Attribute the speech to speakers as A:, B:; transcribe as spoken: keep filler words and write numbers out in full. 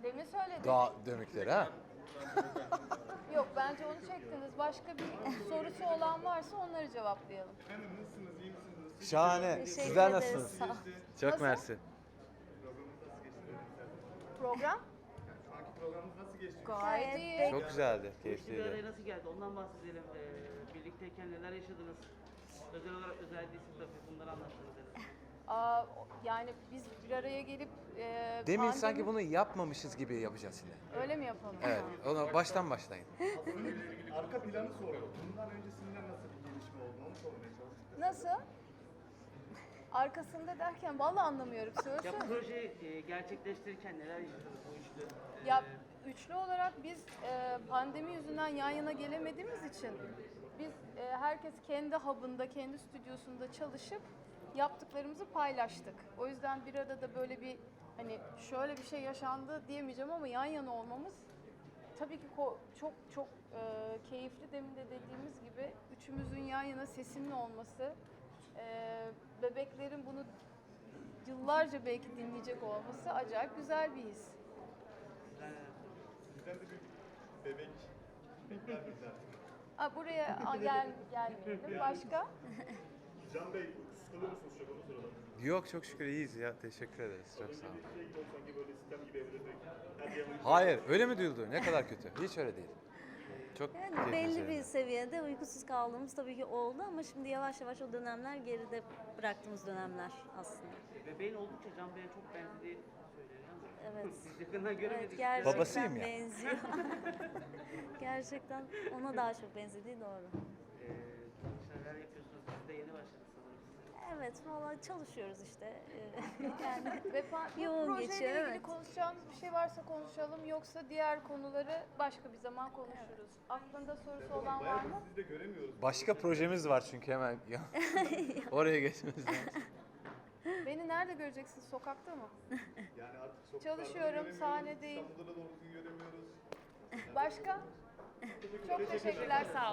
A: Demin söyledim.
B: Dağ dönükleri ha.
A: Yok bence onu çektiniz. Başka bir sorusu olan varsa onları cevaplayalım.
C: Efendim nasılsınız, iyi misiniz? Nasıl
B: Şahane.
D: Teşekkür
B: Sizler
D: ederiz,
B: nasılsınız?
D: sağ ol.
B: Çok
A: Nasıl?
B: mersi.
C: Programınız nasıl geçti? dedim
A: Program
C: sen. Şu anki programınız nasıl geçti?
A: gayet
D: Gayet
A: iyi.
D: de-
B: Çok güzeldi,
E: Bu bir araya
B: keyifliydi.
E: nasıl geldi? Ondan bahsedelim. Ee, birlikteyken neler yaşadınız? Özel olarak özel değilsin tabii. Bunları anlattınız en azından.
A: Aa, o- yani biz bir araya gelip e,
B: Demin
A: pandemi-
B: sanki bunu yapmamışız gibi yapacağız şimdi.
A: Öyle mi yapalım?
B: Evet, ona baştan başlayın.
C: Aslında arka planı sordum. Bundan öncesinden nasıl bir gelişme oldu onu sormaya çalıştık.
A: Nasıl? Arkasında derken vallahi anlamıyorum.
E: Ya
A: Söylesene.
E: projeyi e, gerçekleştirirken neler yaşadınız bu üçlü? Ee,
A: Ya üçlü olarak biz e, pandemi yüzünden yan yana gelemediğimiz için biz e, herkes kendi hub'ında, kendi stüdyosunda çalışıp yaptıklarımızı paylaştık. O yüzden bir arada böyle bir hani şöyle bir şey yaşandı diyemeyeceğim ama yan yana olmamız tabii ki ko- çok çok e, keyifli. Demin de dediğimiz gibi üçümüzün yan yana sesimli olması, e, bebeklerin bunu yıllarca belki dinleyecek olması acayip güzel bir his.
C: Bizden de bir bebek bekler bizden.
A: Aa, buraya a, gel gelmeyelim. Başka?
C: Can Bey, sıkılıyor musunuz çok onu soralım.
B: Yok çok şükür iyiyiz ya. Teşekkür ederiz. Çok sağ olun.
C: Bir şey gibi oldu sanki böyle sistem gibi evde direkt her yanı.
B: Hayır, öyle mi duyuldu? Ne kadar kötü. Hiç öyle değil. Çok
D: Yani
B: keyifli
D: belli
B: şeyler.
D: bir seviyede uykusuz kaldığımız tabii ki oldu ama şimdi yavaş yavaş o dönemler geride bıraktığımız dönemler aslında.
E: Bebeğin oldukça Can Bey'e çok benzediği söyleniyor ama
D: Evet.
E: biz yakından göremedik.
D: Evet, gerçekten
B: Babasıyım ya.
D: benziyor. Gerçekten ona daha çok benzediği doğru.
E: Ee, neler yapıyorsunuz? Siz de yeni başladınız sanırım.
D: Evet, valla çalışıyoruz işte. Ee, yani
A: Ve pa- bu
D: Yoğun
A: projeyle
D: geçiyor,
A: ilgili
D: evet.
A: konuşacağımız bir şey varsa konuşalım, yoksa diğer konuları başka bir zaman konuşuruz. Aklında sorusu olan var
C: Bayağı
A: mı?
C: sizi de göremiyoruz.
B: Başka projemiz var çünkü hemen. ya. Oraya geçmemiz lazım.
A: Beni nerede göreceksin? Sokakta mı?
C: Yani artık sokaklarda
A: Çalışıyorum,
C: göremiyoruz,
A: sahnedeyim.
C: İstanbul'da da doğru düzgün göremiyoruz.
A: Başka? Çok teşekkürler, sağ olun.